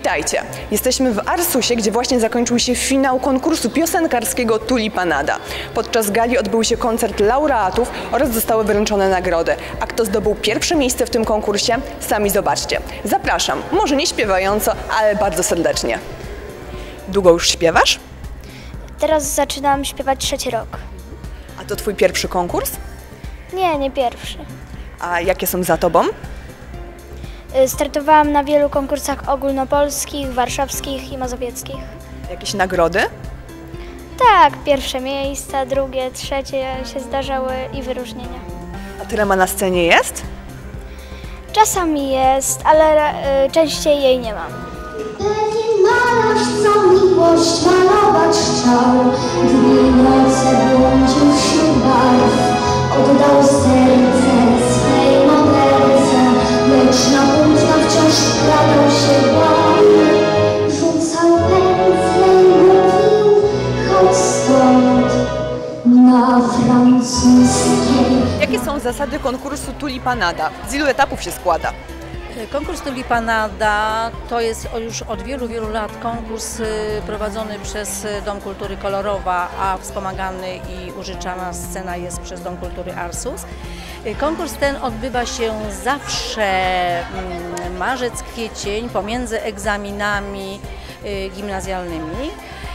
Witajcie! Jesteśmy w Arsusie, gdzie właśnie zakończył się finał konkursu piosenkarskiego Tulipanada. Podczas gali odbył się koncert laureatów oraz zostały wręczone nagrody. A kto zdobył pierwsze miejsce w tym konkursie? Sami zobaczcie. Zapraszam, może nie śpiewająco, ale bardzo serdecznie. Długo już śpiewasz? Teraz zaczynam śpiewać 3. rok. A to twój pierwszy konkurs? Nie, nie pierwszy. A jakie są za tobą? Startowałam na wielu konkursach ogólnopolskich, warszawskich i mazowieckich. Jakieś nagrody? Tak, pierwsze miejsca, drugie, trzecie się zdarzały i wyróżnienia. A tyle ma na scenie jest? Czasami jest, ale częściej jej nie mam. Pewien malarz, co miłość malować chciał, dni i noce błądził wśród barw, oddał serce swej modelce, lecz na płótna wciąż wkradał się błąd. Rzucał pędzle i mówił, chodź stąd, na francuskiej. Jakie są zasady konkursu Tulipanada? Z ilu etapów się składa? Konkurs Tulipanada to jest już od wielu, wielu lat konkurs prowadzony przez Dom Kultury Kolorowa, a wspomagany i użyczana scena jest przez Dom Kultury Arsus. Konkurs ten odbywa się zawsze marzec-kwiecień pomiędzy egzaminami gimnazjalnymi.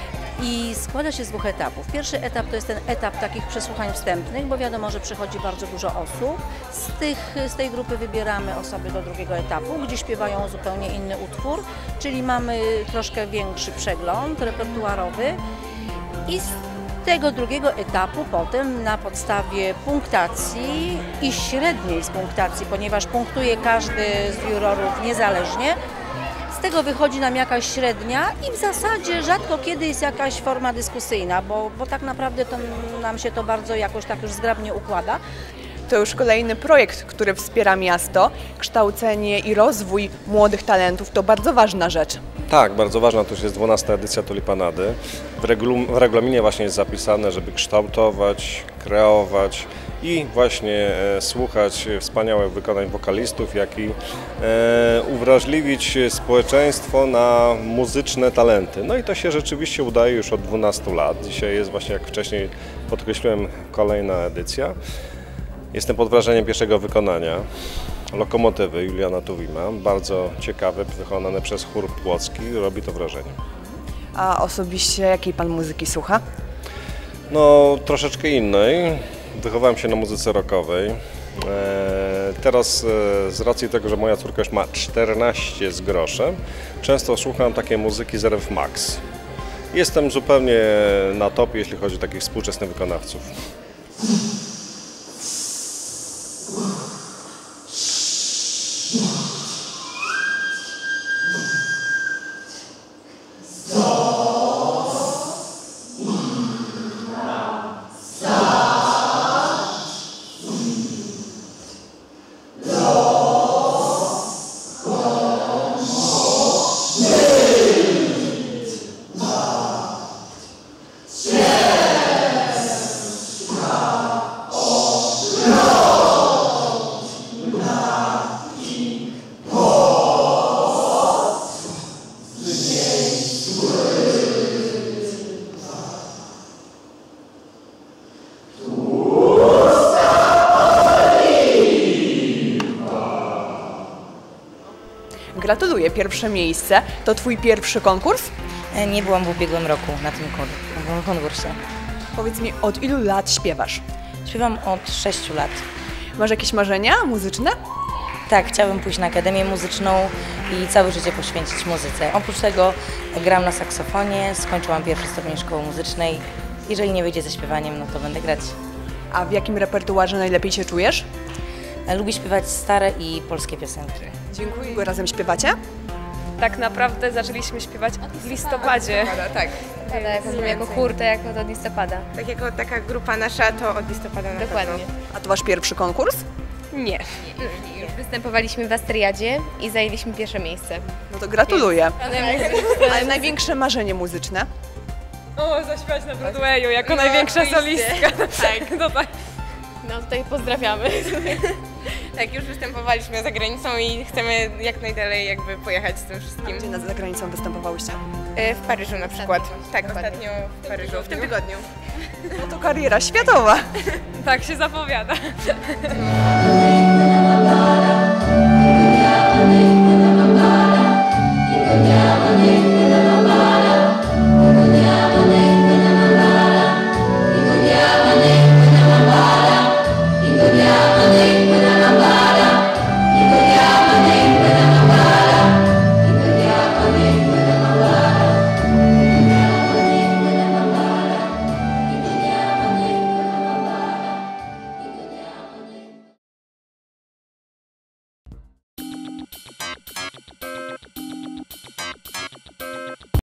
I składa się z 2 etapów. Pierwszy etap to jest ten etap takich przesłuchań wstępnych, bo wiadomo, że przychodzi bardzo dużo osób. Z tej grupy wybieramy osoby do drugiego etapu, gdzie śpiewają zupełnie inny utwór, czyli mamy troszkę większy przegląd repertuarowy. I z tego drugiego etapu potem na podstawie punktacji i średniej z punktacji, ponieważ punktuje każdy z jurorów niezależnie, z tego wychodzi nam jakaś średnia i w zasadzie rzadko kiedy jest jakaś forma dyskusyjna, bo tak naprawdę to nam się to bardzo jakoś tak już zgrabnie układa. To już kolejny projekt, który wspiera miasto. Kształcenie i rozwój młodych talentów to bardzo ważna rzecz. Tak, bardzo ważna, to już jest 12. edycja Tulipanady. W regulaminie właśnie jest zapisane, żeby kształtować, kreować i właśnie słuchać wspaniałych wykonań wokalistów, jak i uwrażliwić społeczeństwo na muzyczne talenty. No i to się rzeczywiście udaje już od 12 lat. Dzisiaj jest właśnie, jak wcześniej podkreśliłem, kolejna edycja. Jestem pod wrażeniem pierwszego wykonania. Lokomotywy Juliana Tuwima, bardzo ciekawe, wykonane przez chór płocki, robi to wrażenie. A osobiście jakiej pan muzyki słucha? No, troszeczkę innej. Wychowałem się na muzyce rockowej. Teraz z racji tego, że moja córka już ma 14 z groszem, często słucham takiej muzyki z RF Max. Jestem zupełnie na topie, jeśli chodzi o takich współczesnych wykonawców. Gratuluję, pierwsze miejsce. To twój pierwszy konkurs? Nie byłam w ubiegłym roku na tym konkursie. Powiedz mi, od ilu lat śpiewasz? Śpiewam od 6 lat. Masz jakieś marzenia muzyczne? Tak, chciałabym pójść na akademię muzyczną i całe życie poświęcić muzyce. Oprócz tego gram na saksofonie, skończyłam 1. stopień szkoły muzycznej. Jeżeli nie wyjdzie ze śpiewaniem, no to będę grać. A w jakim repertuarze najlepiej się czujesz? Lubię śpiewać stare i polskie piosenki. Dziękuję. Wy razem śpiewacie? Tak naprawdę zaczęliśmy śpiewać w listopadzie. Tak. Jako chór, to jako od listopada. Tak jako taka grupa nasza, to od listopada na Dokładnie. pewno. A to wasz pierwszy konkurs? Nie. Już występowaliśmy w Astriadzie i zajęliśmy pierwsze miejsce. No to gratuluję. Ale największe marzenie muzyczne? O, zaśpiewać na Broadwayu jako największa solistka. Tak, to tak. No tutaj pozdrawiamy. Tak, już występowaliśmy za granicą i chcemy jak najdalej jakby pojechać z tym wszystkim. Gdzie za granicą występowałyście? W Paryżu na przykład. Tak, ostatnio w Paryżu, w tym tygodniu. No to kariera światowa. Tak się zapowiada. Thank you.